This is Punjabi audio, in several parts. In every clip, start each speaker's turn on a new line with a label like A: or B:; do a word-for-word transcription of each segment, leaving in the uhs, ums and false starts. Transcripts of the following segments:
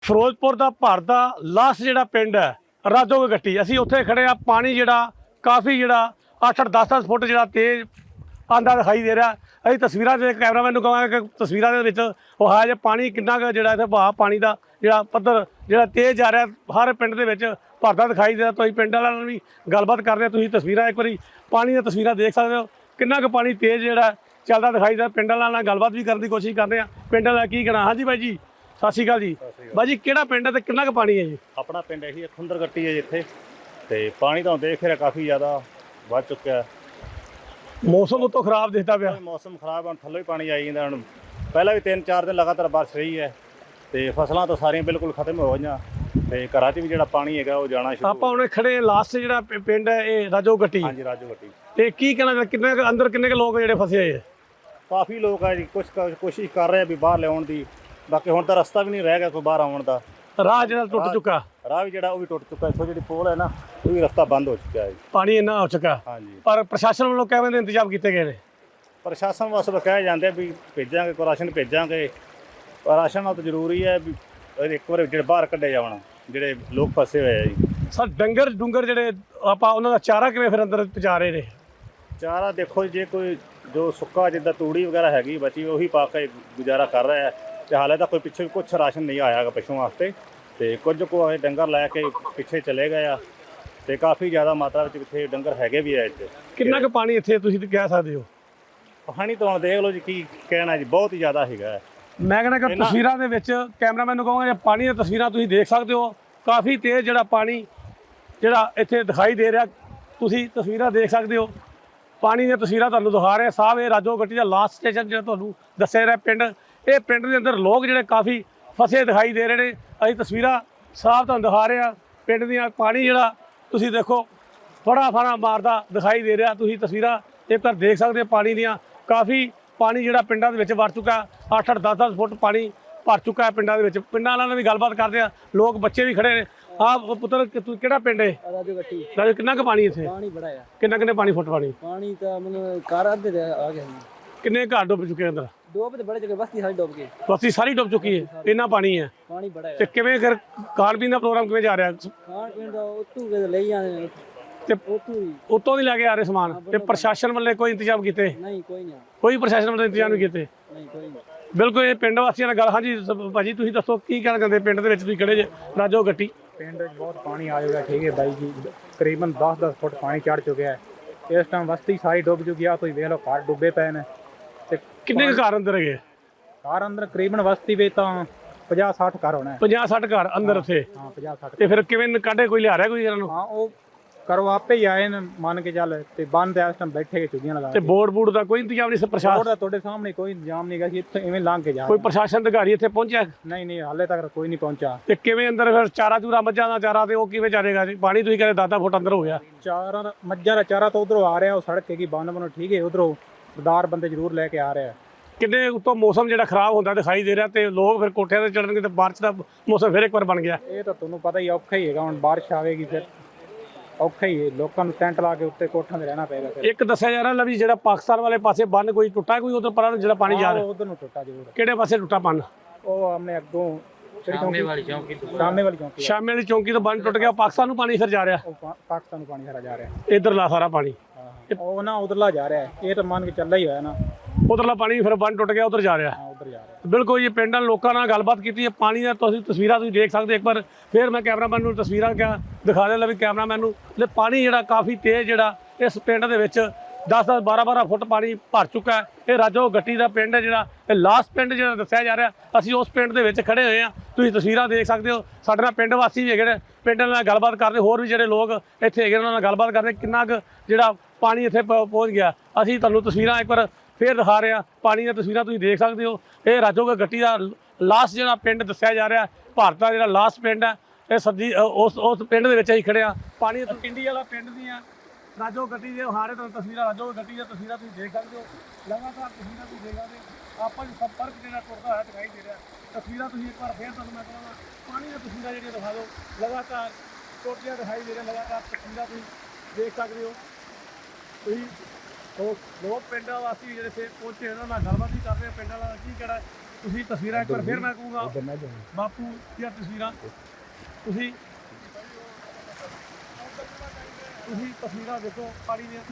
A: ਫਿਰੋਜ਼ਪੁਰ ਦਾ ਭਾਰਤ ਦਾ ਲਾਸਟ ਜਿਹੜਾ ਪਿੰਡ ਹੈ ਰਾਜੋ ਗੱਟੀ, ਅਸੀਂ ਉੱਥੇ ਖੜੇ ਆ। ਪਾਣੀ ਜਿਹੜਾ ਕਾਫੀ ਜਿਹੜਾ ਅੱਠ ਅੱਠ ਦਸ ਦਸ ਫੁੱਟ ਜਿਹੜਾ ਤੇਜ਼ ਆਂਦਾ ਦਿਖਾਈ ਦੇ ਰਿਹਾ। ਅਸੀਂ ਤਸਵੀਰਾਂ ਦੇ ਕੈਮਰਾਮੈਨ ਨੂੰ ਕਹਾਂਗੇ ਕਿ ਤਸਵੀਰਾਂ ਦੇ ਵਿੱਚ ਉਹ ਹੈ ਜੇ ਪਾਣੀ ਕਿੰਨਾ ਕੁ ਜਿਹੜਾ ਇੱਥੇ ਵਹਾਅ ਪਾਣੀ ਦਾ ਜਿਹੜਾ ਪੱਧਰ ਜਿਹੜਾ ਤੇਜ਼ ਜਾ ਰਿਹਾ, ਹਰ ਪਿੰਡ ਦੇ ਵਿੱਚ ਭਰਦਾ ਦਿਖਾਈ ਦੇ ਰਿਹਾ। ਤੁਸੀਂ ਪਿੰਡ ਵਾਲਿਆਂ ਨਾਲ ਵੀ ਗੱਲਬਾਤ ਕਰਦੇ ਹੋ, ਤੁਸੀਂ ਤਸਵੀਰਾਂ ਇੱਕ ਵਾਰੀ ਪਾਣੀ ਦੀਆਂ ਤਸਵੀਰਾਂ ਦੇਖ ਸਕਦੇ ਹੋ, ਕਿੰਨਾ ਕੁ ਪਾਣੀ ਤੇਜ਼ ਜਿਹੜਾ ਚੱਲਦਾ ਦਿਖਾਈ ਦੇ। ਪਿੰਡ ਵਾਲਿਆਂ ਨਾਲ ਗੱਲਬਾਤ ਵੀ ਕਰਨ ਦੀ ਕੋਸ਼ਿਸ਼ ਕਰਦੇ ਹਾਂ। ਪਿੰਡ ਵਾਲਾ ਕੀ ਕਹਿਣਾ? ਹਾਂਜੀ ਬਾਈ ਜੀ, ਸਤਿ ਸ਼੍ਰੀ ਅਕਾਲ ਜੀ। ਬਾਈ ਜੀ, ਕਿਹੜਾ ਪਿੰਡ ਹੈ ਤੇ ਕਿੰਨਾ ਕੁ ਪਾਣੀ ਹੈ ਜੀ?
B: ਆਪਣਾ ਪਿੰਡ ਇਹੀ ਖੁੰਦਰ ਗੱਟੀ ਹੈ ਜਿੱਥੇ, ਤੇ ਪਾਣੀ ਤਾਂ ਦੇਖ ਰਿਹਾ ਕਾਫੀ ਜ਼ਿਆਦਾ ਵੱਧ ਚੁੱਕਿਆ।
A: ਮੌਸਮ ਉਤੋਂ ਖਰਾਬ ਦਿਖਦਾ ਪਿਆ।
B: ਮੌਸਮ ਖਰਾਬ, ਹੁਣ ਥੱਲੇ ਹੀ ਪਾਣੀ ਆਈ ਜਾਂਦਾ। ਹੁਣ ਪਹਿਲਾਂ ਵੀ ਤਿੰਨ ਚਾਰ ਦਿਨ ਲਗਾਤਾਰ ਬਾਰਿਸ਼ ਰਹੀ ਹੈ ਤੇ ਫਸਲਾਂ ਤਾਂ ਸਾਰੀਆਂ ਬਿਲਕੁਲ ਖਤਮ ਹੋ ਗਈਆਂ ਤੇ ਘਰਾਂ 'ਚ ਵੀ ਜਿਹੜਾ ਪਾਣੀ ਹੈਗਾ ਉਹ ਜਾਣਾ ਸ਼ੁਰੂ।
A: ਆਪਾਂ ਉਹਨੇ ਖੜੇ ਲਾਸਟ ਜਿਹੜਾ ਪਿੰਡ ਹੈ ਇਹ ਰਾਜੋ ਗੱਟੀ।
B: ਹਾਂਜੀ, ਰਾਜੋ ਗੱਟੀ।
A: ਤੇ ਕੀ ਕਹਿਣਾ, ਕਿੰਨੇ ਕੁ ਅੰਦਰ ਕਿੰਨੇ ਕੁ ਲੋਕ ਜਿਹੜੇ ਫਸੇ ਹੋਏ ਹੈ?
B: ਕਾਫੀ ਲੋਕ ਆ ਜੀ, ਕੁਛ ਕੋਸ਼ਿਸ਼ ਕਰ ਰਹੇ ਆ ਵੀ ਬਾਹਰ ਲਿਆਉਣ ਦੀ, ਬਾਕੀ ਹੁਣ ਤਾਂ ਰਸਤਾ ਵੀ ਨਹੀਂ ਰਹਿ ਗਿਆ ਕੋਈ ਬਾਹਰ ਆਉਣ ਦਾ।
A: ਰਾਹ ਜਿਹੜਾ ਟੁੱਟ ਚੁੱਕਾ,
B: ਰਾਹ ਵੀ ਜਿਹੜਾ ਉਹ ਵੀ ਟੁੱਟ ਚੁੱਕਾ। ਇੱਥੋਂ ਜਿਹੜੀ ਪੋਲ ਹੈ ਨਾ, ਉਹ ਵੀ ਰਸਤਾ ਬੰਦ ਹੋ ਚੁੱਕਿਆ ਹੈ,
A: ਪਾਣੀ ਇੰਨਾ ਹੋ ਚੁੱਕਾ।
B: ਹਾਂਜੀ,
A: ਪਰ ਪ੍ਰਸ਼ਾਸਨ ਵੱਲੋਂ ਕਿਵੇਂ ਦੇ ਇੰਤਜ਼ਾਮ ਕੀਤੇ ਗਏ ਨੇ?
B: ਪ੍ਰਸ਼ਾਸਨ ਵਾਸਤੇ ਕਹਿ ਜਾਂਦੇ ਵੀ ਭੇਜਾਂਗੇ, ਕੋਈ ਰਾਸ਼ਨ ਭੇਜਾਂਗੇ। ਰਾਸ਼ਨ ਨਾਲ ਤਾਂ ਜ਼ਰੂਰੀ ਹੈ ਵੀ ਇੱਕ ਵਾਰ ਜਿਹੜੇ ਬਾਹਰ ਕੱਢੇ ਜਾਵਣ, ਜਿਹੜੇ ਲੋਕ ਫਸੇ ਹੋਏ ਆ ਜੀ।
A: ਸਰ ਡੰਗਰ ਡੁੰਗਰ ਜਿਹੜੇ ਆਪਾਂ ਉਹਨਾਂ ਦਾ ਚਾਰਾ ਕਿਵੇਂ ਫਿਰ ਅੰਦਰ ਪਹੁੰਚਾ ਰਹੇ ਨੇ?
B: ਚਾਰਾ ਦੇਖੋ, ਜੇ ਕੋਈ ਜੋ ਸੁੱਕਾ ਜਿੱਦਾਂ ਤੂੜੀ ਵਗੈਰਾ ਹੈਗੀ ਬਚੀ, ਉਹੀ ਪਾ ਕੇ ਗੁਜ਼ਾਰਾ ਕਰ ਰਿਹਾ ਹੈ। ਤੇ ਹਾਲੇ ਤਾਂ ਕੋਈ ਪਿੱਛੇ ਕੁਛ ਰਾਸ਼ਨ ਨਹੀਂ ਆਇਆ ਗਾ ਪਸ਼ੂਆਂ ਵਾਸਤੇ, ਤੇ ਕੁਝ ਕੁ ਡੰਗਰ ਲੈ ਕੇ ਪਿੱਛੇ ਚਲੇ ਗਏ ਆ, ਤੇ ਕਾਫੀ ਜ਼ਿਆਦਾ ਮਾਤਰਾ ਵਿੱਚ ਇੱਥੇ ਡੰਗਰ ਹੈਗੇ ਵੀ ਆ ਇੱਥੇ।
A: ਕਿੰਨਾ ਕੁ ਪਾਣੀ ਇੱਥੇ ਤੁਸੀਂ ਕਹਿ ਸਕਦੇ ਹੋ?
B: ਪਾਣੀ ਤਾਂ ਹੁਣ ਦੇਖ ਲਓ ਜੀ, ਕੀ ਕਹਿਣਾ ਜੀ, ਬਹੁਤ ਹੀ ਜ਼ਿਆਦਾ ਹੈਗਾ।
A: ਮੈਂ ਕਹਿੰਦਾ ਕਿ ਤਸਵੀਰਾਂ ਦੇ ਵਿੱਚ ਕੈਮਰਾਮੈਨ ਨੂੰ ਕਹਾਂਗਾ, ਪਾਣੀ ਦੀਆਂ ਤਸਵੀਰਾਂ ਤੁਸੀਂ ਦੇਖ ਸਕਦੇ ਹੋ। ਕਾਫੀ ਤੇਜ਼ ਜਿਹੜਾ ਪਾਣੀ ਜਿਹੜਾ ਇੱਥੇ ਦਿਖਾਈ ਦੇ ਰਿਹਾ, ਤੁਸੀਂ ਤਸਵੀਰਾਂ ਦੇਖ ਸਕਦੇ ਹੋ। ਪਾਣੀ ਦੀਆਂ ਤਸਵੀਰਾਂ ਤੁਹਾਨੂੰ ਦਿਖਾ ਰਹੇ ਸਾਹਿਬ। ਇਹ ਰਾਜੋ ਗੱਟੀ ਦਾ ਲਾਸਟ ਸਟੇਸ਼ਨ ਜਿਹੜਾ ਤੁਹਾਨੂੰ ਦੱਸਿਆ ਰਿਹਾ ਪਿੰਡ, ਇਹ ਪਿੰਡ ਦੇ ਅੰਦਰ ਲੋਕ ਜਿਹੜੇ ਕਾਫੀ ਫਸੇ ਦਿਖਾਈ ਦੇ ਰਹੇ ਨੇ। ਅਸੀਂ ਤਸਵੀਰਾਂ ਸਾਫ਼ ਤੁਹਾਨੂੰ ਦਿਖਾ ਰਹੇ ਹਾਂ ਪਿੰਡ ਦੀਆਂ। ਪਾਣੀ ਜਿਹੜਾ ਤੁਸੀਂ ਦੇਖੋ ਫੜਾ ਫੜਾ ਮਾਰਦਾ ਦਿਖਾਈ ਦੇ ਰਿਹਾ। ਤੁਸੀਂ ਤਸਵੀਰਾਂ ਇੱਕ ਵਾਰ ਦੇਖ ਸਕਦੇ ਹੋ ਪਾਣੀ ਦੀਆਂ। ਕਾਫੀ ਪਾਣੀ ਜਿਹੜਾ ਪਿੰਡਾਂ ਦੇ ਵਿੱਚ ਵੜ ਚੁੱਕਾ, ਅੱਠ ਅੱਠ ਦਸ ਦਸ ਫੁੱਟ ਪਾਣੀ ਭਰ ਚੁੱਕਾ ਹੈ ਪਿੰਡਾਂ ਦੇ ਵਿੱਚ। ਪਿੰਡਾਂ ਵਾਲਿਆਂ ਨਾਲ ਵੀ ਗੱਲਬਾਤ ਕਰਦੇ ਆ, ਲੋਕ ਬੱਚੇ ਵੀ ਖੜੇ ਨੇ। ਆਹ ਪੁੱਤਰ ਤੂੰ ਕਿਹੜਾ ਪਿੰਡ ਹੈ?
C: ਰਾਜੋ ਗੱਟੀ।
A: ਰਾਜੋ, ਕਿੰਨਾ ਕੁ ਪਾਣੀ ਇੱਥੇ?
C: ਪਾਣੀ ਬੜਾ ਆ।
A: ਕਿੰਨਾ ਕਿੰਨੇ ਪਾਣੀ ਫੁੱਟ ਪਾਣੀ?
C: ਪਾਣੀ ਤਾਂ ਮਤਲਬ ਘਰ ਅੱਧੇ ਦੇ ਆ ਗਿਆ।
A: ਕਿੰਨੇ ਘਰ ਡੁੱਬ ਚੁੱਕੇ ਅੰਦਰ?
C: ਡੁੱਬ ਤੇ ਬੜੇ ਜਗ੍ਹਾ, ਬਸਤੀ ਸਾਰੀ ਡੁੱਬ ਗਈ।
A: ਬਸਤੀ ਸਾਰੀ ਡੁੱਬ ਚੁੱਕੀ ਹੈ, ਇੰਨਾ ਪਾਣੀ ਹੈ।
C: ਪਾਣੀ ਬੜਾ ਹੈ।
A: ਤੇ ਕਿਵੇਂ ਫਿਰ ਖਾਣ ਪੀਣ ਦਾ ਪ੍ਰੋਗਰਾਮ ਕਿਵੇਂ ਜਾ ਰਿਹਾ?
C: ਖਾਣ ਪੀਣ ਦਾ ਉੱਤੋਂ ਕੇ ਲਈ ਜਾਂਦੇ ਨੇ,
A: ਤੇ
C: ਉੱਤੋਂ ਹੀ
A: ਉੱਤੋਂ ਦੀ ਲੈ ਕੇ ਆ ਰਹੇ ਸਮਾਨ। ਤੇ ਪ੍ਰਸ਼ਾਸਨ ਵੱਲੋਂ ਕੋਈ ਇੰਤਜ਼ਾਮ ਕੀਤੇ?
C: ਨਹੀਂ, ਕੋਈ ਨਹੀਂ,
A: ਕੋਈ ਪ੍ਰਸ਼ਾਸਨ ਵੱਲੋਂ ਇੰਤਜ਼ਾਮ ਨਹੀਂ ਕੀਤੇ?
C: ਨਹੀਂ, ਕੋਈ ਨਹੀਂ।
A: ਬਿਲਕੁਲ ਇਹ ਪਿੰਡ ਵਾਸੀਆਂ ਨਾਲ ਗੱਲ। ਹਾਂਜੀ ਭਾਜੀ, ਤੁਸੀਂ ਦੱਸੋ ਕੀ ਕਹਿਣਾ ਚਾਹੁੰਦੇ? ਪਿੰਡ ਦੇ ਵਿੱਚ ਤੁਸੀਂ ਖੜੇ ਜੇ ਰਾਜੋ ਗੱਟੀ।
D: ਪਿੰਡ 'ਚ ਬਹੁਤ ਪਾਣੀ ਆ ਜਾਊਗਾ, ਠੀਕ ਹੈ ਬਾਈ ਜੀ। ਤਕਰੀਬਨ ਦਸ ਦਸ ਫੁੱਟ ਪਾਣੀ ਚੜ ਚੁੱਕਿਆ ਹੈ। ਇਸ ਟਾਈਮ ਬਸਤੀ ਸਾਰੀ ਡੁੱਬ ਚੁੱਕੀ ਆ। ਤੁਸੀਂ ਵੇਖ ਲਓ ਘਰ ਡੁੱਬੇ ਪਏ ਨੇ। ਤੇ
A: ਕਿੰਨੇ ਕੁ ਘਰ ਅੰਦਰ ਹੈਗੇ?
D: ਘਰ ਅੰਦਰ ਤਕਰੀਬਨ ਬਸਤੀ ਵਿੱਚ ਤਾਂ ਪੰਜਾਹ ਸੱਠ ਘਰ ਹੋਣਾ ਹੈ।
A: ਪੰਜਾਹ ਸੱਠ ਘਰ ਅੰਦਰ ਉੱਥੇ?
D: ਹਾਂ, ਪੰਜਾਹ ਸੱਠ।
A: ਤੇ ਫਿਰ ਕਿਵੇਂ ਕੱਢੇ? ਕੋਈ ਲਿਆ ਰਿਹਾ ਕੋਈ ਇਹਨਾਂ ਨੂੰ?
D: ਹਾਂ, ਉਹ ਕਰੋ ਆਪੇ ਹੀ ਆਏ ਨੇ ਮੰਨ ਕੇ ਚੱਲ। ਤੇ ਬੰਦ ਇਸ ਟਾਈਮ ਬੈਠੇ ਕੇ ਚੁੱਗੀਆਂ ਲਗਾ
A: ਤੇ ਬੋਰਡ ਬੂਡ ਦਾ ਕੋਈ ਇੰਤਜ਼ਾਮ ਨਹੀਂ? ਪ੍ਰਸ਼ਾਸਨ
D: ਦਾ ਤੁਹਾਡੇ ਸਾਹਮਣੇ ਕੋਈ ਇੰਤਜ਼ਾਮ ਨਹੀਂ ਗਾ ਕਿ ਇੱਥੇ ਇਵੇਂ ਲੰਘ ਕੇ ਜਾ।
A: ਕੋਈ ਪ੍ਰਸ਼ਾਸਨ ਅਧਿਕਾਰੀ ਇੱਥੇ ਪਹੁੰਚਿਆ?
D: ਨਹੀਂ ਨਹੀਂ, ਹਾਲੇ ਤੱਕ ਕੋਈ ਨਹੀਂ ਪਹੁੰਚਾ।
A: ਤੇ ਕਿਵੇਂ ਅੰਦਰ ਫਿਰ ਚਾਰਾ ਚੂਰਾ ਮੱਝਾਂ ਦਾ ਚਾਰਾ ਤੇ ਉਹ ਕਿਵੇਂ ਚਾਰੇਗਾ ਜੀ? ਪਾਣੀ ਤੁਸੀਂ ਕਹਿੰਦੇ ਦਸ ਦਸ ਫੁੱਟ ਅੰਦਰ ਹੋ ਗਿਆ।
D: ਚਾਰਾਂ ਦਾ ਮੱਝਾਂ ਦਾ ਚਾਰਾ ਤਾਂ ਉਧਰੋਂ ਆ ਰਿਹਾ, ਉਹ ਸੜਕ ਹੈਗੀ ਬੰਨ ਬੰਨੋ, ਠੀਕ ਹੈ। ਉਧਰੋਂ ਸਰਦਾਰ ਬੰਦੇ ਜ਼ਰੂਰ ਲੈ ਕੇ ਆ ਰਿਹਾ।
A: ਕਿੰਨੇ ਉੱਤੋਂ ਮੌਸਮ ਜਿਹੜਾ ਖਰਾਬ ਹੁੰਦਾ ਦਿਖਾਈ ਦੇ ਰਿਹਾ, ਤੇ ਲੋਕ ਫਿਰ ਕੋਠਿਆਂ ਤੇ ਚੜਨਗੇ ਤੇ ਬਾਰਿਸ਼ ਦਾ ਮੌਸਮ ਫਿਰ ਇੱਕ ਵਾਰ ਬਣ ਗਿਆ।
D: ਇਹ ਤਾਂ ਤੁਹਾਨੂੰ ਪਤਾ ਹੀ ਔਖਾ ਹੀ ਹੈਗਾ। ਹੁਣ ਬਾਰਿਸ਼ ਆਵੇਗੀ ਫਿਰ ਔਖਾ ਹੀ ਹੈ, ਲੋਕਾਂ ਨੂੰ ਟੈਂਟ ਲਾ ਕੇ ਉੱਤੇ ਕੋਠਾਂ 'ਤੇ ਰਹਿਣਾ ਪਏਗਾ। ਫਿਰ
A: ਇੱਕ ਦੱਸਿਆ ਜਾ ਰਿਹਾ ਵੀ ਜਿਹੜਾ ਪਾਕਿਸਤਾਨ ਵਾਲੇ ਪਾਸੇ ਬੰਨ ਕੋਈ ਟੁੱਟਾ, ਕੋਈ ਉਧਰ ਪਰਾਂ ਜਿਹੜਾ ਪਾਣੀ ਜਾ ਰਿਹਾ?
D: ਉਧਰ ਨੂੰ ਟੁੱਟਾ ਜ਼ਰੂਰ।
A: ਕਿਹੜੇ ਪਾਸੇ ਟੁੱਟਾ ਬੰਨ?
D: ਉਹ ਆਪਣੇ ਅੱਗੋਂ
C: ਸ਼ਾਮੇ ਵਾਲੀ ਚੌਂਕੀ ਤੋਂ,
D: ਸਾਹਮਣੇ ਵਾਲੀ ਚੌਂਕੀ,
A: ਸ਼ਾਮੇ ਵਾਲੀ ਚੌਂਕੀ ਤੋਂ ਬੰਨ ਟੁੱਟ ਗਿਆ, ਪਾਕਿਸਤਾਨ ਨੂੰ ਪਾਣੀ ਫਿਰ ਜਾ ਰਿਹਾ।
D: ਉਹ ਪਾ- ਪਾਕਿਸਤਾਨ ਨੂੰ ਪਾਣੀ ਸਾਰਾ ਜਾ ਰਿਹਾ।
A: ਇਧਰਲਾ ਸਾਰਾ ਪਾਣੀ,
D: ਉਹ ਨਾ ਉਧਰਲਾ ਜਾ ਰਿਹਾ। ਇਹ ਤਾਂ ਮੰਨ ਕੇ ਚੱਲਾ ਹੀ ਹੋਇਆ ਨਾ,
A: ਉਧਰਲਾ ਪਾਣੀ ਫਿਰ ਬੰਨ ਟੁੱਟ ਗਿਆ, ਉਧਰ ਜਾ ਰਿਹਾ।
D: ਹਾਂ, ਉਧਰ ਜਾ ਰਿਹਾ।
A: ਬਿਲਕੁਲ ਜੀ, ਪਿੰਡਾਂ ਲੋਕਾਂ ਨਾਲ ਗੱਲਬਾਤ ਕੀਤੀ ਹੈ। ਪਾਣੀ ਦਾ ਤੁਸੀਂ ਤਸਵੀਰਾਂ ਤੁਸੀਂ ਦੇਖ ਸਕਦੇ ਇੱਕ ਵਾਰ ਫਿਰ ਮੈਂ ਕੈਮਰਾਮੈਨ ਨੂੰ ਤਸਵੀਰਾਂ ਕਿਹਾ ਦਿਖਾ ਦੇ ਲਾ ਵੀ ਕੈਮਰਾਮੈਨ ਨੂੰ। ਤੇ ਪਾਣੀ ਜਿਹੜਾ ਕਾਫੀ ਤੇਜ਼ ਜਿਹੜਾ ਇਸ ਪਿੰਡ ਦੇ ਵਿੱਚ ਦਸ ਦਸ ਬਾਰਾਂ ਬਾਰਾਂ ਫੁੱਟ ਪਾਣੀ ਭਰ ਚੁੱਕਾ ਹੈ। ਇਹ ਰਾਜੋ ਗੱਟੀ ਦਾ ਪਿੰਡ ਹੈ ਜਿਹੜਾ, ਇਹ ਲਾਸਟ ਪਿੰਡ ਜਿਹੜਾ ਦੱਸਿਆ ਜਾ ਰਿਹਾ। ਅਸੀਂ ਉਸ ਪਿੰਡ ਦੇ ਵਿੱਚ ਖੜੇ ਹੋਏ ਹਾਂ, ਤੁਸੀਂ ਤਸਵੀਰਾਂ ਦੇਖ ਸਕਦੇ ਹੋ। ਸਾਡੇ ਨਾਲ ਪਿੰਡ ਵਾਸੀ ਵੀ ਹੈਗੇ ਨੇ, ਪਿੰਡ ਨਾਲ ਗੱਲਬਾਤ ਕਰਦੇ, ਹੋਰ ਵੀ ਜਿਹੜੇ ਲੋਕ ਇੱਥੇ ਹੈਗੇ ਉਹਨਾਂ ਨਾਲ ਗੱਲਬਾਤ ਕਰਦੇ ਕਿੰਨਾ ਕੁ ਜਿਹੜਾ ਪਾਣੀ ਇੱਥੇ ਪ- ਪਹੁੰਚ ਗਿਆ। ਅਸੀਂ ਤੁਹਾਨੂੰ ਤਸਵੀਰਾਂ ਇੱਕ ਵਾਰ ਫਿਰ ਦਿਖਾ ਰਹੇ ਹਾਂ। ਪਾਣੀ ਦੀਆਂ ਤਸਵੀਰਾਂ ਤੁਸੀਂ ਦੇਖ ਸਕਦੇ ਹੋ। ਇਹ ਰਾਜੋ ਗੱਟੀ ਦਾ ਲਾਸਟ ਜਿਹੜਾ ਪਿੰਡ ਦੱਸਿਆ ਜਾ ਰਿਹਾ, ਭਾਰਤ ਦਾ ਜਿਹੜਾ ਲਾਸਟ ਪਿੰਡ ਹੈ, ਇਹ ਸਬਜ਼ੀ ਉਸ ਉਸ ਪਿੰਡ ਦੇ ਵਿੱਚ ਅਸੀਂ ਖੜੇ ਹਾਂ। ਪਾਣੀ ਪਿੰਡੀ ਵਾਲਾ ਪਿੰਡ ਦੀਆਂ ਰਾਜੋ ਗੱਟੀ ਦੇ ਹਾਰੇ ਤੁਹਾਨੂੰ ਤਸਵੀਰਾਂ, ਰਾਜੋ ਗੱਟੀ ਦੀਆਂ ਤਸਵੀਰਾਂ ਤੁਸੀਂ ਦੇਖ ਸਕਦੇ ਹੋ। ਲਗਾਤਾਰ ਤਸਵੀਰਾਂ ਤੁਸੀਂ ਦੇਖ ਸਕਦੇ ਹੋ। ਆਪਾਂ ਜੀ ਸੰਪਰਕ ਜਿਹੜਾ ਟੁੱਟਦਾ ਹੋਇਆ ਦਿਖਾਈ ਦੇ ਰਿਹਾ। ਤਸਵੀਰਾਂ ਤੁਸੀਂ ਇੱਕ ਵਾਰ ਫਿਰ ਤੁਹਾਨੂੰ ਮੈਂ ਕਹਾਂਗਾ ਪਾਣੀ ਦੀਆਂ ਤਸਵੀਰਾਂ ਜਿਹੜੀਆਂ ਦਿਖਾ ਦਿਓ। ਲਗਾਤਾਰ ਟੁੱਟਦੀਆਂ ਦਿਖਾਈ ਦੇ ਰਹੀਆਂ, ਲਗਾਤਾਰ ਤਸਵੀਰਾਂ ਤੁਸੀਂ ਦੇਖ ਸਕਦੇ ਹੋ। ਤੁਸੀਂ ਉਹ ਲੋਕ ਪਿੰਡਾਂ ਵਾਸੀ ਜਿਹੜੇ ਇੱਥੇ ਪਹੁੰਚੇ ਉਹਨਾਂ ਨਾਲ ਗੱਲਬਾਤ ਵੀ ਕਰ ਰਹੇ। ਪਿੰਡਾਂ ਵਾਲਾ ਕੀ ਕਹਿਣਾ ਤੁਸੀਂ ਤਸਵੀਰਾਂ ਇੱਕ ਵਾਰ ਫਿਰ ਮੈਂ ਕਹੂੰਗਾ ਬਾਪੂ ਦੀਆਂ ਤਸਵੀਰਾਂ ਤੁਸੀਂ ਤੁਸੀਂ ਤਸਵੀਰਾਂ ਦੇਖੋ ਪਾਣੀ ਦੀਆਂ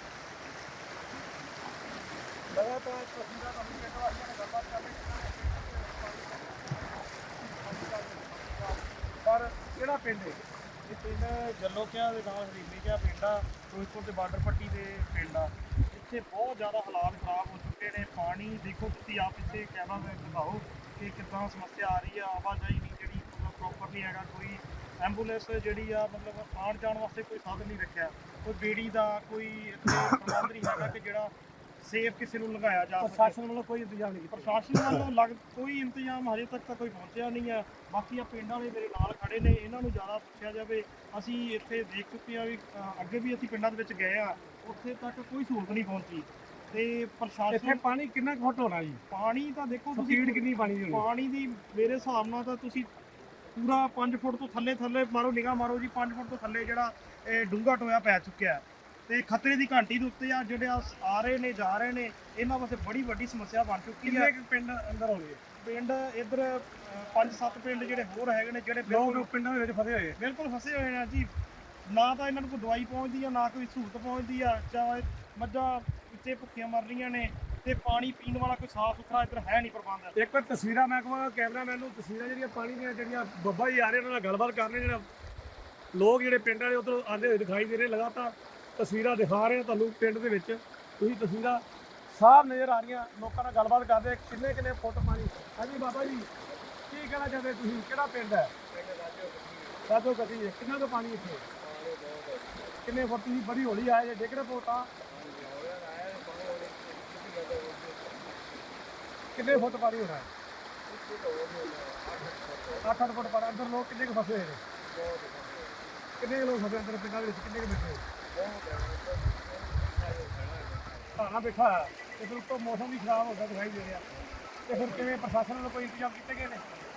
A: ਲਗਾਤਾਰ ਤਸਵੀਰਾਂ ਤੁਹਾਨੂੰ ਪਿੰਡ ਵਾਸੀਆਂ ਨੇ ਗੱਲਬਾਤ ਕਰ ਲਈ ਪਰ ਕਿਹੜਾ ਪਿੰਡ ਹੈ
E: ਇਹ ਪਿੰਡ ਜੱਲੋਕਿਆਂ ਦੇ ਨਾਲ ਹਰੀਮੀਕਿਆ ਪਿੰਡ ਆ ਫਿਰੋਜ਼ਪੁਰ ਦੇ ਬਾਰਡਰ ਪੱਟੀ ਦੇ ਪਿੰਡ ਆ ਇੱਥੇ ਬਹੁਤ ਜ਼ਿਆਦਾ ਹਾਲਾਤ ਖਰਾਬ ਹੋ ਚੁੱਕੇ ਨੇ ਪਾਣੀ ਦੇਖੋ ਤੁਸੀਂ ਆਪ ਇੱਥੇ ਕੈਮਰਾ ਵਿੱਚ ਦਿਖਾਓ ਕਿ ਕਿੱਦਾਂ ਸਮੱਸਿਆ ਆ ਰਹੀ ਆ ਆਵਾਜਾਈ ਨਹੀਂ ਜਿਹੜੀ ਮਤਲਬ ਪ੍ਰੋਪਰ ਨਹੀਂ ਹੈਗਾ ਕੋਈ ਐਂਬੂਲੈਂਸ ਜਿਹੜੀ ਆ ਮਤਲਬ ਆਉਣ ਜਾਣ ਵਾਸਤੇ ਕੋਈ ਸਾਧਨ ਨਹੀਂ ਰੱਖਿਆ ਕੋਈ ਬੇੜੀ ਦਾ ਕੋਈ ਇੱਥੇ ਪ੍ਰਬੰਧ ਨਹੀਂ ਹੈਗਾ ਕਿ ਜਿਹੜਾ ਸੇਫ ਕਿਸੇ ਨੂੰ ਲਗਾਇਆ ਜਾ ਸਕੇ
A: ਪ੍ਰਸ਼ਾਸਨ ਵੱਲੋਂ ਕੋਈ ਇੰਤਜ਼ਾਮ ਨਹੀਂ ਕੀਤਾ
E: ਪ੍ਰਸ਼ਾਸਨ ਵੱਲੋਂ ਲੱਗ ਕੋਈ ਇੰਤਜ਼ਾਮ ਹਜੇ ਤੱਕ ਤਾਂ ਕੋਈ ਪਹੁੰਚਿਆ ਨਹੀਂ ਹੈ ਬਾਕੀ ਆ ਪਿੰਡਾਂ ਵਾਲੇ ਮੇਰੇ ਨਾਲ ਖੜੇ ਨੇ ਇਹਨਾਂ ਨੂੰ ਜ਼ਿਆਦਾ ਪੁੱਛਿਆ ਜਾਵੇ ਅਸੀਂ ਇੱਥੇ ਦੇਖ ਚੁੱਕੇ ਆ ਵੀ ਅ, ਅੱਗੇ ਵੀ ਅਸੀਂ ਪਿੰਡਾਂ ਦੇ ਵਿੱਚ ਗਏ ਆ ਉੱਥੇ ਤੱਕ ਕੋਈ ਸਹੂਲਤ ਨਹੀਂ ਪਹੁੰਚੀ ਤੇ
A: ਇੱਥੇ
E: ਪ੍ਰਸ਼ਾਸਨ
A: ਪਾਣੀ ਕਿੰਨਾ ਕੁ ਫੁੱਟ ਹੋਣਾ ਜੀ
E: ਪਾਣੀ ਤਾਂ ਦੇਖੋ
A: ਸਪੀਡ ਕਿੰਨੀ ਪਾਣੀ ਦੀ ਹੋਣੀ
E: ਪਾਣੀ ਦੀ ਮੇਰੇ ਹਿਸਾਬ ਨਾਲ ਤਾਂ ਤੁਸੀਂ ਪੂਰਾ ਪੰਜ ਫੁੱਟ ਤੋਂ ਥੱਲੇ ਥੱਲੇ ਮਾਰੋ ਨਿਗਾਹ ਮਾਰੋ ਜੀ ਪੰਜ ਫੁੱਟ ਤੋਂ ਥੱਲੇ ਜਿਹੜਾ ਇਹ ਡੂੰਘਾ ਟੋਇਆ ਪੈ ਚੁੱਕਿਆ ਹੈ ਤੇ ਖਤਰੇ ਦੀ ਘੰਟੀ ਦੇ ਉੱਤੇ ਆ ਜਿਹੜੇ ਆ ਆ ਰਹੇ ਨੇ ਜਾ ਰਹੇ ਨੇ ਇਹਨਾਂ ਵਾਸਤੇ ਬੜੀ ਵੱਡੀ ਸਮੱਸਿਆ ਬਣ ਚੁੱਕੀ ਹੈ
A: ਕਿੰਨੇ ਕੁ ਪਿੰਡ ਅੰਦਰ ਹੋਣਗੇ
E: ਪਿੰਡ ਇੱਧਰ ਪੰਜ ਸੱਤ ਪਿੰਡ ਜਿਹੜੇ ਹੋਰ ਹੈਗੇ ਨੇ ਜਿਹੜੇ ਬਿਲਕੁਲ
A: ਲੋਕ ਪਿੰਡਾਂ ਦੇ ਵਿੱਚ ਫਸੇ ਹੋਏ
E: ਬਿਲਕੁਲ ਫਸੇ ਹੋਏ ਨੇ ਜੀ ਨਾ ਤਾਂ ਇਹਨਾਂ ਨੂੰ ਕੋਈ ਦਵਾਈ ਪਹੁੰਚਦੀ ਆ ਨਾ ਕੋਈ ਸਹੂਲਤ ਪਹੁੰਚਦੀ ਆ ਚਾਹੇ ਮੱਝਾਂ ਇੱਥੇ ਭੁੱਖੀਆਂ ਮਰ ਰਹੀਆਂ ਨੇ ਤੇ ਪਾਣੀ ਪੀਣ ਵਾਲਾ ਕੋਈ ਸਾਫ਼ ਸੁਥਰਾ ਇੱਧਰ ਹੈ ਨਹੀਂ ਪ੍ਰਬੰਧ
A: ਇੱਕ ਵਾਰ ਤਸਵੀਰਾਂ ਮੈਂ ਕਹਾਂ ਕੈਮਰਾਮੈਨ ਨੂੰ ਤਸਵੀਰਾਂ ਜਿਹੜੀਆਂ ਪਾਣੀ ਦੀਆਂ ਜਿਹੜੀਆਂ ਬੱਬਾ ਜੀ ਆ ਰਹੇ ਉਹਨਾਂ ਨਾਲ ਗੱਲਬਾਤ ਕਰਨੇ ਜਿਹੜਾ ਲੋਕ ਜਿਹੜੇ ਪਿੰਡਾਂ ਦੇ ਉੱਧਰੋਂ ਆਉਂਦੇ ਹੋਏ ਦਿਖਾਈ ਦੇ ਰਹੇ ਲਗਾਤਾਰ ਤਸਵੀਰਾਂ ਦਿਖਾ ਰਹੇ ਤੁਹਾਨੂੰ ਪਿੰਡ ਦੇ ਵਿੱਚ ਤੁਸੀਂ ਤਸਵੀਰਾਂ ਸਾਫ਼ ਨਜ਼ਰ ਆ ਰਹੀਆਂ ਲੋਕਾਂ ਨਾਲ ਗੱਲਬਾਤ ਕਰਦੇ ਕਿੰਨੇ ਕਿੰਨੇ ਫੁੱਟ ਪਾਣੀ ਹਾਂਜੀ ਬਾਬਾ ਜੀ ਕੀ ਕਹਿਣਾ ਚਾਹੁੰਦੇ ਤੁਸੀਂ ਕਿਹੜਾ ਪਿੰਡ ਹੈ ਰਾਜੋ ਗੱਟੀ ਹੈ ਕਿੰਨਾ ਕੁ ਪਾਣੀ ਇੱਥੇ ਕਿੰਨੇ ਫੁੱਟ ਤੁਸੀਂ ਬੜੀ ਹੌਲੀ ਆਏ ਜੇ ਡਿੱਗ ਰਹੇ ਪੋਟਾ ਕਿੰਨੇ ਫੁੱਟ ਪਾਣੀ ਹੋਣਾ ਹੈ ਅੱਠ ਅੱਠ ਫੁੱਟ ਪਾਣੀ ਅੰਦਰ ਲੋਕ ਕਿੰਨੇ ਕੁ ਫਸੇ ਹੋਏ ਨੇ ਕਿੰਨੇ ਕੁ ਲੋਕ ਫਸੇ ਅੰਦਰ ਪਿੰਡਾਂ ਦੇ ਵਿੱਚ ਕਿੰਨੇ ਕੁ ਬੈਠੇ ਧਾਣਾ ਬੈਠਾ ਹੈ ਤੇ ਫਿਰ ਉੱਤੋਂ ਮੌਸਮ ਵੀ ਖਰਾਬ ਹੁੰਦਾ ਦਿਖਾਈ ਦੇ ਰਿਹਾ ਤੇ ਫਿਰ ਕਿਵੇਂ ਪ੍ਰਸ਼ਾਸਨ ਵੱਲੋਂ ਕੋਈ ਇੰਤਜ਼ਾਮ ਕੀਤੇ ਗਏ ਨੇ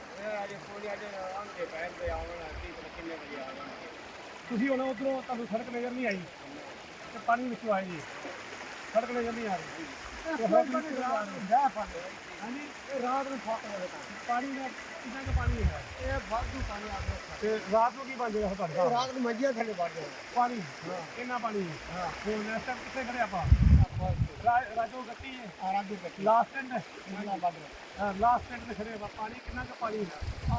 A: ਤੁਸੀਂ ਹੁਣ ਉੱਧਰੋਂ ਤੁਹਾਨੂੰ ਸੜਕ ਨਜ਼ਰ ਨਹੀਂ ਆਈ ਤੇ ਪਾਣੀ ਵਿੱਚੋਂ ਆਏ ਜੀ ਸੜਕ ਨਜ਼ਰ ਨਹੀਂ ਆ ਰਹੀ ਤੇ ਹੁਣ ਤੁਸੀਂ ਰਾਤ ਨੂੰ ਜਾ ਪਾਣੀ ਹਾਂਜੀ ਇਹ ਰਾਤ ਨੂੰ ਪਾਣੀ ਦਾ ਕਿੰਨਾ ਕੁ ਪਾਣੀ ਹੈ ਇਹ ਵਾਧੂ ਪਾਣੀ ਆ ਗਿਆ ਤੇ ਰਾਤ ਨੂੰ ਕੀ ਬਣ ਜਾਏਗਾ ਤੁਹਾਡੇ ਘਰ
C: ਰਾਤ ਨੂੰ ਮੰਜੀਆਂ ਥੱਲੇ ਵੜ ਜਾਓ
A: ਪਾਣੀ ਹਾਂ ਕਿੰਨਾ ਪਾਣੀ ਹਾਂ ਹੁਣ ਇਸ ਟਾਈਮ ਕਿੱਥੇ ਖੜੇ ਆਪਾਂ ਰਾ- ਰਾਜੋ ਗੱਟੀ ਹੈ
C: ਰਾਜੂ ਕੱਟੀ
A: ਲਾਸਟ ਸਟੈਂਡ
C: ਨਾ ਵੱਧ
A: ਹਾਂ ਲਾਸਟ ਸਟੈਂਡ ਤੇ ਖੜੇ ਆਪਾਂ ਪਾਣੀ ਕਿੰਨਾ ਕੁ ਪਾਣੀ ਹੈ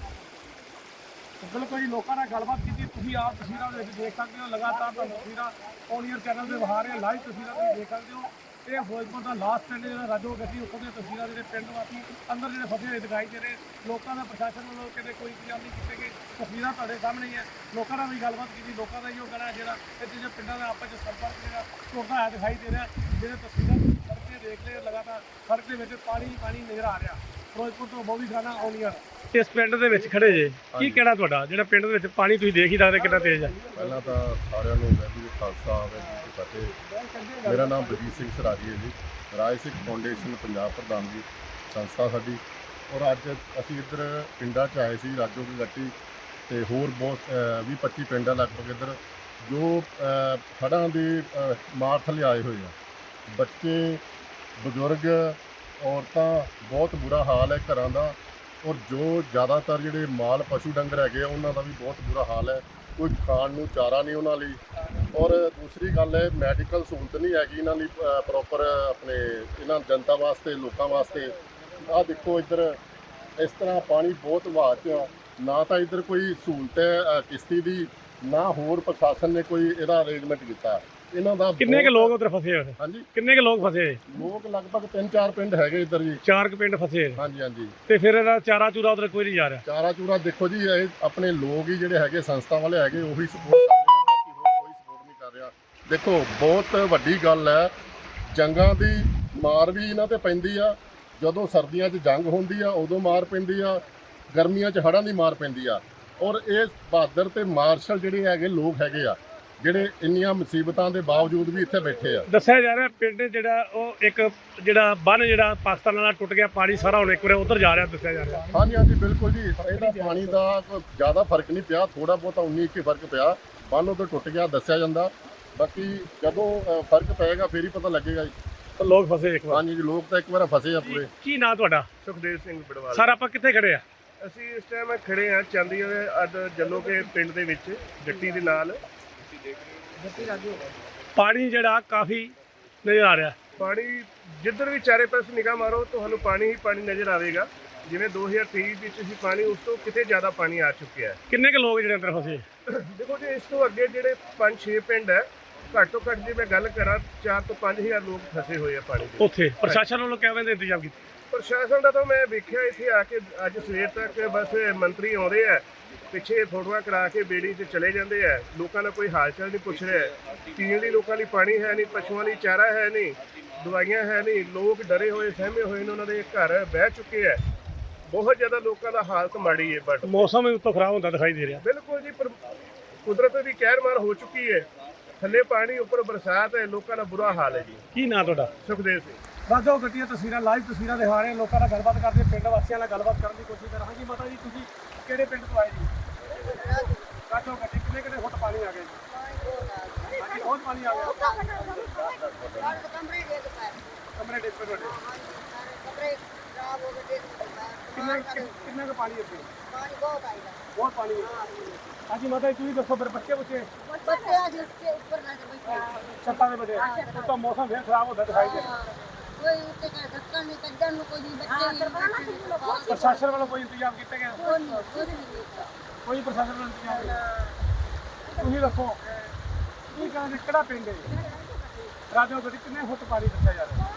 A: ਬਿਲਕੁਲ ਜੀ ਲੋਕਾਂ ਨਾਲ ਗੱਲਬਾਤ ਕੀਤੀ ਤੁਸੀਂ ਆਪ ਤਸਵੀਰਾਂ ਦੇ ਵਿੱਚ ਦੇਖ ਸਕਦੇ ਹੋ ਲਗਾਤਾਰ ਤੁਹਾਨੂੰ ਤਸਵੀਰਾਂ ਔਨੀਅਰ ਚੈਨਲ ਤੇ ਵਿਖਾ ਰਹੇ ਲਾਈਵ ਤਸਵੀਰਾਂ ਤੁਸੀਂ ਦੇਖ ਸਕਦੇ ਹੋ ਇਹ ਫਿਰੋਜ਼ਪੁਰ ਦਾ ਲਾਸਟ ਪਿੰਡ ਜਿਹੜਾ ਰਾਜੋ ਗੱਟੀ ਉੱਥੋਂ ਦੀਆਂ ਤਸਵੀਰਾਂ ਜਿਹੜੇ ਪਿੰਡ ਵਾਸੀ ਅੰਦਰ ਜਿਹੜੇ ਫਸੇ ਹੋਏ ਦਿਖਾਈ ਦੇ ਰਹੇ ਲੋਕਾਂ ਦਾ ਪ੍ਰਸ਼ਾਸਨ ਵੱਲੋਂ ਕਿਤੇ ਕੋਈ ਇੰਤਜ਼ਾਮ ਨਹੀਂ ਕੀਤੇ ਗਏ ਤਸਵੀਰਾਂ ਤੁਹਾਡੇ ਸਾਹਮਣੇ ਹੀ ਹੈ ਲੋਕਾਂ ਨਾਲ ਵੀ ਗੱਲਬਾਤ ਕੀਤੀ ਲੋਕਾਂ ਦਾ ਇਹੋ ਕਹਿਣਾ ਜਿਹੜਾ ਇੱਥੇ ਜਿਹੜੇ ਪਿੰਡਾਂ ਦਾ ਆਪਸ ਵਿੱਚ ਸੰਪਰਕ ਜਿਹੜਾ ਟੁੱਟਦਾ ਹੋਇਆ ਦਿਖਾਈ ਦੇ ਰਿਹਾ ਜਿਹੜੇ ਤਸਵੀਰਾਂ ਤੁਸੀਂ ਸੜਕ ਤੇ ਦੇਖ ਰਹੇ ਹੋ ਲਗਾਤਾਰ ਸੜਕ ਦੇ ਵਿੱਚ ਪਾਣੀ ਪਾਣੀ ਨਜ਼ਰ ਆ ਰਿਹਾ ਫਿਰੋਜ਼ਪੁਰ ਤੋਂ ਬੋਵੀ ਖਾਨਾ ਔਨੀਅਰ ਇਸ ਪਿੰਡ ਦੇ ਵਿੱਚ ਖੜੇ ਜੇ ਕੀ ਕਹਿਣਾ ਤੁਹਾਡਾ ਜਿਹੜਾ ਪਿੰਡ ਦੇ ਵਿੱਚ ਪਾਣੀ ਤੁਸੀਂ ਦੇਖ ਹੀ ਸਕਦੇ ਕਿੰਨਾ ਤੇਜ਼ ਹੈ
F: ਪਹਿਲਾਂ ਤਾਂ ਸਾਰਿਆਂ ਨੂੰ ਵੈਦੀ ਦੇ ਖਾਲਸਾ ਵਾਹਿਗੁਰੂ ਜੀ ਕੀ ਫਤਿਹ ਮੇਰਾ ਨਾਮ ਬਲਜੀਤ ਸਿੰਘ ਸਰਾਜੀ ਹੈ ਜੀ ਰਾਜ ਸਿੱਖ ਫਾਊਂਡੇਸ਼ਨ ਪੰਜਾਬ ਪ੍ਰਧਾਨ ਦੀ ਸੰਸਥਾ ਸਾਡੀ ਔਰ ਅੱਜ ਅਸੀਂ ਇੱਧਰ ਪਿੰਡਾਂ 'ਚ ਆਏ ਸੀ ਰਾਜੋ ਕੀ ਗੱਟੀ ਤੇ ਹੋਰ ਬਹੁਤ ਵੀਹ ਪੱਚੀ ਪਿੰਡ ਆ ਲਗਭਗ ਇੱਧਰ ਜੋ ਹੜ੍ਹਾਂ ਦੀ ਅ, ਮਾਰ ਥੱਲੇ ਆਏ ਹੋਏ ਆ ਬੱਚੇ ਬਜ਼ੁਰਗ ਔਰਤਾਂ ਬਹੁਤ ਬੁਰਾ ਹਾਲ ਹੈ ਘਰਾਂ ਦਾ ਔਰ ਜੋ ਜ਼ਿਆਦਾਤਰ ਜਿਹੜੇ ਮਾਲ ਪਸ਼ੂ ਡੰਗਰ ਹੈਗੇ ਆ ਉਹਨਾਂ ਦਾ ਵੀ ਬਹੁਤ ਬੁਰਾ ਹਾਲ ਹੈ ਕੋਈ ਖਾਣ ਨੂੰ ਚਾਰਾ ਨਹੀਂ ਉਹਨਾਂ ਲਈ ਔਰ ਦੂਸਰੀ ਗੱਲ ਹੈ ਮੈਡੀਕਲ ਸਹੂਲਤ ਨਹੀਂ ਹੈਗੀ ਇਹਨਾਂ ਲਈ ਪ੍ਰੋਪਰ ਆਪਣੇ ਇਹਨਾਂ ਜਨਤਾ ਵਾਸਤੇ ਲੋਕਾਂ ਵਾਸਤੇ ਆਹ ਦੇਖੋ ਇੱਧਰ ਇਸ ਤਰ੍ਹਾਂ ਪਾਣੀ ਬਹੁਤ ਵਹਾਅ 'ਚ ਆ ਨਾ ਤਾਂ ਇੱਧਰ ਕੋਈ ਸਹੂਲਤ ਹੈ ਅ, ਕਿਸ਼ਤੀ ਦੀ ਨਾ ਹੋਰ ਪ੍ਰਸ਼ਾਸਨ ਨੇ ਕੋਈ ਇਹਦਾ ਅਰੇਂਜਮੈਂਟ ਕੀਤਾ ਇਹਨਾਂ ਦਾ
A: ਕਿੰਨੇ ਕੁ
F: ਬਹੁਤ-
A: ਲੋਕ ਉੱਧਰ ਫਸੇ ਹੋਏ ਨੇ
F: ਹਾਂਜੀ
A: ਕਿੰਨੇ ਕੁ ਲੋਕ ਫਸੇ ਹੋਏ
F: ਲੋਕ ਲਗਭਗ ਤਿੰਨ ਚਾਰ ਪਿੰਡ ਹੈਗੇ ਇੱਧਰ ਜੀ
A: ਚਾਰ ਕੁ ਪਿੰਡ ਫਸੇ ਹੋਏ ਨੇ।
F: ਹਾਂਜੀ ਹਾਂਜੀ
A: ਤੇ ਫਿਰ ਇਹਦਾ ਚਾਰਾ ਚੂਰਾ ਉਧਰ ਕੋਈ ਨਹੀਂ ਜਾ ਰਿਹਾ
F: ਚਾਰਾ ਚੂਰਾ ਦੇਖੋ ਜੀ ਇਹ ਆਪਣੇ ਲੋਕ ਹੀ ਜਿਹੜੇ ਹੈਗੇ ਸੰਸਥਾ ਵਾਲੇ ਹੈਗੇ ਉਹੀ ਸਪੋਰਟ ਕਰ ਰਹੇ ਆ ਬਾਕੀ ਹੋਰ ਕੋਈ ਸਪੋਰਟ ਨਹੀਂ ਕਰ ਰਿਹਾ ਦੇਖੋ ਬਹੁਤ ਵੱਡੀ ਗੱਲ ਹੈ ਜੰਗਾਂ ਦੀ ਮਾਰ ਵੀ ਇਹਨਾਂ ਤੇ ਪੈਂਦੀ ਆ ਜਦੋਂ ਸਰਦੀਆਂ 'ਚ ਜੰਗ ਹੁੰਦੀ ਆ ਉਦੋਂ ਮਾਰ ਪੈਂਦੀ ਆ ਗਰਮੀਆਂ 'ਚ ਹੜ੍ਹਾਂ ਦੀ ਮਾਰ ਪੈਂਦੀ ਆ ਔਰ ਇਹ ਬਹਾਦਰ ਤੇ ਮਾਰਸ਼ਲ ਜਿਹੜੇ ਹੈਗੇ ਲੋਕ ਹੈਗੇ ਆ ਜਿਹੜੇ ਇੰਨੀਆਂ ਮੁਸੀਬਤਾਂ ਦੇ ਬਾਵਜੂਦ ਵੀ ਇੱਥੇ ਬੈਠੇ ਆ
A: ਦੱਸਿਆ ਜਾ ਰਿਹਾ ਪਿੰਡ ਜਿਹੜਾ ਉਹ ਇੱਕ ਜਿਹੜਾ ਬੰਨ ਜਿਹੜਾ ਪਾਕਿਸਤਾਨ ਨਾਲ ਟੁੱਟ ਗਿਆ ਪਾਣੀ ਸਾਰਾ ਹੁਣ ਇੱਕ ਵਾਰ ਉਧਰ ਜਾ ਰਿਹਾ ਦੱਸਿਆ ਜਾ ਰਿਹਾ
F: ਹਾਂਜੀ ਹਾਂਜੀ ਬਿਲਕੁਲ ਜੀ ਇਹਦਾ ਪਾਣੀ ਦਾ ਕੋਈ ਜ਼ਿਆਦਾ ਫਰਕ ਨਹੀਂ ਪਿਆ ਥੋੜਾ ਬਹੁਤਾ ਉਨੀ ਇੱਕੀ ਫਰਕ ਪਿਆ ਬੰਨ ਉਧਰ ਟੁੱਟ ਗਿਆ ਦੱਸਿਆ ਜਾਂਦਾ ਬਾਕੀ ਜਦੋਂ ਅ, ਫਰਕ ਪਏਗਾ ਫੇਰ ਹੀ ਪਤਾ ਲੱਗੇਗਾ ਜੀ
A: ਲੋਕ ਫਸੇ ਇੱਕ ਵਾਰ
F: ਹਾਂਜੀ ਜੀ, ਲੋਕ ਤਾਂ ਇੱਕ ਵਾਰ ਫਸੇ ਆ ਪੂਰੇ।
A: ਕੀ ਨਾਂ ਤੁਹਾਡਾ?
E: ਸੁਖਦੇਵ ਸਿੰਘ ਬੜਵਾਲ।
A: ਸਰ ਆਪਾਂ ਕਿੱਥੇ ਖੜੇ ਆ?
E: ਅਸੀਂ ਇਸ ਟਾਈਮ ਖੜੇ ਆ ਚਾਂਦੀ ਵਾਲੇ ਅੱਜ ਜੱਲੋਕੇ ਪਿੰਡ ਦੇ ਵਿੱਚ ਜੱਟੀ ਦੇ ਨਾਲ।
A: ਪਾਣੀ ਜਿਹੜਾ ਕਾਫੀ ਨਜ਼ਰ ਆ ਰਿਹਾ।
E: ਪਾਣੀ ਜਿੱਧਰ ਵੀ ਚਾਰੇ ਪਾਸੇ ਨਿਗਾਹ ਮਾਰੋ ਤੁਹਾਨੂੰ ਪਾਣੀ ਹੀ ਪਾਣੀ ਨਜ਼ਰ ਆਵੇਗਾ। ਜਿਵੇਂ ਦੋ ਹਜ਼ਾਰ ਤੇਈ ਵਿੱਚ ਸੀ ਪਾਣੀ, ਉਸ ਤੋਂ ਕਿਤੇ ਜ਼ਿਆਦਾ ਪਾਣੀ ਆ ਚੁੱਕਿਆ ਹੈ।
A: ਕਿੰਨੇ ਕੁ ਲੋਕ ਜਿਹੜੇ ਅੰਦਰ ਫਸੇ?
E: ਦੇਖੋ ਜੀ, ਇਸ ਤੋਂ ਅੱਗੇ ਜਿਹੜੇ ਪੰਜ ਛੇ ਪਿੰਡ ਹੈ, ਘੱਟ ਤੋਂ ਘੱਟ ਜੇ ਮੈਂ ਗੱਲ ਕਰਾਂ ਚਾਰ ਤੋਂ ਪੰਜ ਹਜ਼ਾਰ ਲੋਕ ਫਸੇ ਹੋਏ ਆ ਪਾਣੀ ਦੇ।
A: ਉੱਥੇ ਪ੍ਰਸ਼ਾਸਨ ਵੱਲੋਂ ਕਿਵੇਂ ਦੇ ਇੰਤਜ਼ਾਮ ਕੀਤੇ?
E: ਪ੍ਰਸ਼ਾਸਨ ਦਾ ਤਾਂ ਮੈਂ ਵੇਖਿਆ ਇੱਥੇ ਆ ਕੇ ਅੱਜ ਸਵੇਰ ਤੱਕ ਬਸ ਮੰਤਰੀ ਆਉਂਦੇ ਆ, ਪਿੱਛੇ ਫੋਟੋਆਂ ਕਰਾ ਕੇ ਬੇੜੀ 'ਚ ਚਲੇ ਜਾਂਦੇ ਆ। ਲੋਕਾਂ ਦਾ ਕੋਈ ਹਾਲ ਚਾਲ ਨਹੀਂ ਪੁੱਛ ਰਿਹਾ। ਪੀਣ ਲਈ ਲੋਕਾਂ ਲਈ ਪਾਣੀ ਹੈ ਨਹੀਂ, ਪਸ਼ੂਆਂ ਲਈ ਚਾਰਾ ਹੈ ਨਹੀਂ, ਦਵਾਈਆਂ ਹੈ ਨਹੀਂ। ਲੋਕ ਡਰੇ ਹੋਏ ਸਹਿਮੇ ਹੋਏ ਨੇ, ਉਹਨਾਂ ਦੇ ਘਰ ਬਹਿ ਚੁੱਕੇ ਆ। ਬਹੁਤ ਜ਼ਿਆਦਾ ਲੋਕਾਂ ਦਾ ਹਾਲਤ ਮਾੜੀ ਹੈ। ਬਟ
A: ਮੌਸਮ ਵੀ ਉੱਤੋਂ ਖਰਾਬ ਹੁੰਦਾ ਦਿਖਾਈ ਦੇ ਰਿਹਾ।
E: ਬਿਲਕੁਲ ਜੀ, ਪਰ ਕੁਦਰਤ ਦੀ ਕਹਿਰ ਮਾਰ ਹੋ ਚੁੱਕੀ ਹੈ। ਥੱਲੇ ਪਾਣੀ, ਉੱਪਰ ਬਰਸਾਤ ਹੈ, ਲੋਕਾਂ ਦਾ ਬੁਰਾ ਹਾਲ ਹੈ ਜੀ।
A: ਕੀ ਨਾਂ ਤੁਹਾਡਾ?
E: ਸੁਖਦੇਵ ਸਿੰਘ।
A: ਰਾਜੋ ਗੱਡੀਆਂ ਤਸਵੀਰਾਂ ਲਾਈਵ ਤਸਵੀਰਾਂ ਦਿਖਾ ਰਹੇ ਹਾਂ, ਲੋਕਾਂ ਨਾਲ ਗੱਲਬਾਤ ਕਰਦੇ, ਪਿੰਡ ਵਾਸੀਆਂ ਨਾਲ ਗੱਲਬਾਤ ਕਰਨ ਦੀ ਕੋਸ਼ਿਸ਼ ਕਰ ਰਹੇ ਹਾਂ। ਜੀ ਮਾਤਾ ਜੀ, ਤੁਸੀਂ ਕਿਹੜੇ ਪਿੰਡ ਤੋਂ ਆਏ ਜੀ? ਰਾਜੋ ਗੱਡੀ ਕਿੰਨੇ ਕਿੰਨੇ ਫੁੱਟ ਪਾਣੀ ਆ ਗਿਆ ਜੀ? ਹਾਂਜੀ, ਬਹੁਤ ਪਾਣੀ ਆ ਗਿਆ। ਕਮਰੇ ਡਿੱਗ ਪਏ ਤੁਹਾਡੇ? ਕਿੰਨਾ ਕਿੰਨਾ ਕੁ ਪਾਣੀ ਇੱਥੇ? ਬਹੁਤ ਪਾਣੀ ਹੈ। ਹਾਂਜੀ ਮਾਤਾ ਜੀ, ਤੁਸੀਂ ਦੱਸੋ ਫਿਰ ਬੱਚੇ ਬੱਚੇ ਛੱਤਾਂ ਦੇ ਬੱਚੇ ਤਾਂ ਮੌਸਮ ਫਿਰ ਖਰਾਬ ਹੁੰਦਾ ਦਿਖਾਈ ਦੇ ਰਿਹਾ। ਪ੍ਰਸ਼ਾਸਨ ਵੱਲੋਂ ਕੋਈ ਇੰਤਜ਼ਾਮ ਕੀਤਾ ਗਿਆ? ਕੋਈ ਪ੍ਰਸ਼ਾਸਨ ਵੱਲੋਂ ਇੰਤਜ਼ਾਮ ਨਹੀਂ। ਤੁਸੀਂ ਦੱਸੋ ਕੀ ਕਹਿੰਦੇ, ਕਿਹੜਾ ਪਿੰਡ ਹੈ ਰਾਜੋ ਗੱਡੀ? ਕਿੰਨੇ ਫੁੱਟ ਪਾਣੀ ਦੱਸਿਆ ਜਾ ਰਿਹਾ?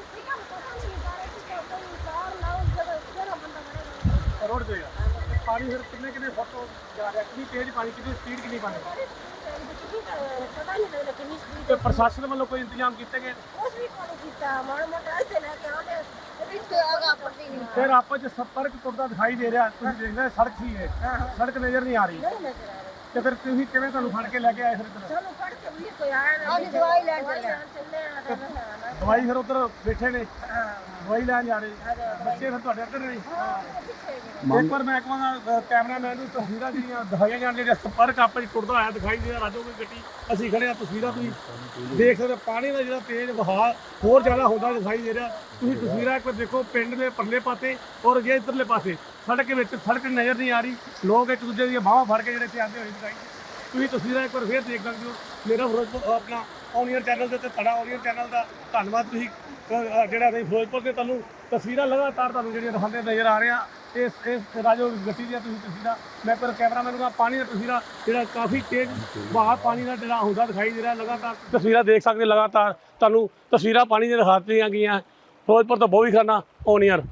A: ਰੋਡ ਤੇ ਪਾਣੀ ਫਿਰ ਕਿੰਨੇ ਕਿੰਨੇ ਫੁੱਟ ਜਾ ਰਿਹਾ? ਕਿੰਨੀ ਤੇਜ਼ ਪਾਣੀ, ਕਿੰਨੀ ਸਪੀਡ, ਕਿੰਨੀ ਪਾਣੀ? ਤੇ ਪ੍ਰਸ਼ਾਸਨ ਵੱਲੋਂ ਕੋਈ ਇੰਤਜ਼ਾਮ ਕੀਤੇ ਗਏ? ਫਿਰ ਆਪਸ ਚ ਸੰਪਰਕ ਟੁੱਟਦਾ ਦਿਖਾਈ ਦੇ ਰਿਹਾ। ਤੁਸੀਂ ਦੇਖਦੇ ਸੜਕ ਸੀ, ਇਹ ਸੜਕ ਨਜ਼ਰ ਨਹੀਂ ਆ ਰਹੀ। ਤੇ ਫਿਰ ਤੁਸੀਂ ਕਿਵੇਂ, ਤੁਹਾਨੂੰ ਫੜ ਕੇ ਲੈ ਕੇ ਆਏ ਫਿਰ ਇੱਧਰ? ਦਵਾਈ ਫਿਰ ਉੱਧਰ ਬੈਠੇ ਨੇ, ਦਵਾਈ ਲੈਣ ਜਾ ਰਹੇ ਬੱਚੇ, ਫਿਰ ਤੁਹਾਡੇ ਇੱਧਰ ਨੇ। ਇੱਕ ਵਾਰ ਮੈਂ ਕਹਾਂਗਾ ਕੈਮਰਾਮੈਨ ਨੂੰ ਤਸਵੀਰਾਂ ਜਿਹੜੀਆਂ ਦਿਖਾਈਆਂ ਜਾਣ, ਜਿਹੜੀਆਂ ਸੰਪਰਕ ਆਪਸ ਚ ਟੁੱਟਦਾ ਹੋਇਆ ਦਿਖਾਈ ਦੇ ਰਿਹਾ। ਰਾਜੋ ਕੋਈ ਗੱਡੀ ਅਸੀਂ ਖੜੇ ਆ, ਤਸਵੀਰਾਂ ਤੁਸੀਂ ਦੇਖ ਸਕਦੇ। ਪਾਣੀ ਦਾ ਜਿਹੜਾ ਤੇਜ਼ ਵਹਾਅ ਹੋਰ ਜ਼ਿਆਦਾ ਹੁੰਦਾ ਦਿਖਾਈ ਦੇ ਰਿਹਾ। ਤੁਸੀਂ ਤਸਵੀਰਾਂ ਇੱਕ ਵਾਰ ਦੇਖੋ, ਪਿੰਡ ਦੇ ਪਰਲੇ ਪਾਸੇ ਔਰ ਜੇ ਇੱਧਰਲੇ ਪਾਸੇ ਸੜਕ ਵਿੱਚ ਸੜਕ ਨਜ਼ਰ ਨਹੀਂ ਆ ਰਹੀ। ਲੋਕ ਇੱਕ ਦੂਜੇ ਦੀਆਂ ਬਾਹਾਂ ਫੜ ਕੇ ਜਿਹੜੇ ਇੱਥੇ ਆਉਂਦੇ ਹੋਏ ਦਿਖਾਈ। ਤੁਸੀਂ ਤਸਵੀਰਾਂ ਇੱਕ ਵਾਰ ਫੇਰ ਦੇਖ ਸਕਦੇ ਹੋ। ਮੇਰਾ ਫਿਰੋਜ਼ਪੁਰ ਆਪਣਾ ਔਨੀਅਰ ਚੈਨਲ ਦੇ ਉੱਤੇ, ਤੁਹਾਡਾ ਔਨੀਅਰ ਚੈਨਲ ਦਾ ਧੰਨਵਾਦ। ਤੁਸੀਂ ਜਿਹੜਾ ਅਸੀਂ ਫਿਰੋਜ਼ਪੁਰ ਦੇ ਤੁਹਾਨੂੰ ਤਸਵੀਰਾਂ ਲਗਾਤਾਰ ਤੁਹਾਨੂੰ ਜਿਹੜੀਆਂ ਦਿਖਾਉਂਦੇ ਨਜ਼ਰ ਆ ਰਹੇ ਆ। ਇਸ ਇਸ ਰਾਜੋ ਗੱਡੀ ਦੀਆਂ ਤੁਸੀਂ ਤਸਵੀਰਾਂ, ਮੈਂ ਪਰ ਕੈਮਰਾਮੈਨ ਨੂੰ ਪਾਣੀ ਦਾ ਤਸਵੀਰਾਂ ਜਿਹੜਾ ਕਾਫੀ ਤੇਜ਼ ਵਹਾਅ ਪਾਣੀ ਦਾ ਜਿਹੜਾ ਹੁੰਦਾ ਦਿਖਾਈ ਦੇ ਰਿਹਾ। ਲਗਾਤਾਰ ਤਸਵੀਰਾਂ ਦੇਖ ਸਕਦੇ, ਲਗਾਤਾਰ ਤੁਹਾਨੂੰ ਤਸਵੀਰਾਂ ਪਾਣੀ ਦੀਆਂ ਦਿਖਾ ਦਿੱਤੀਆਂ ਗਈਆਂ। ਫਿਰੋਜ਼ਪੁਰ ਤੋਂ ਬੋਵੀ ਖਾਨਾ ਔਨੀਅਰ।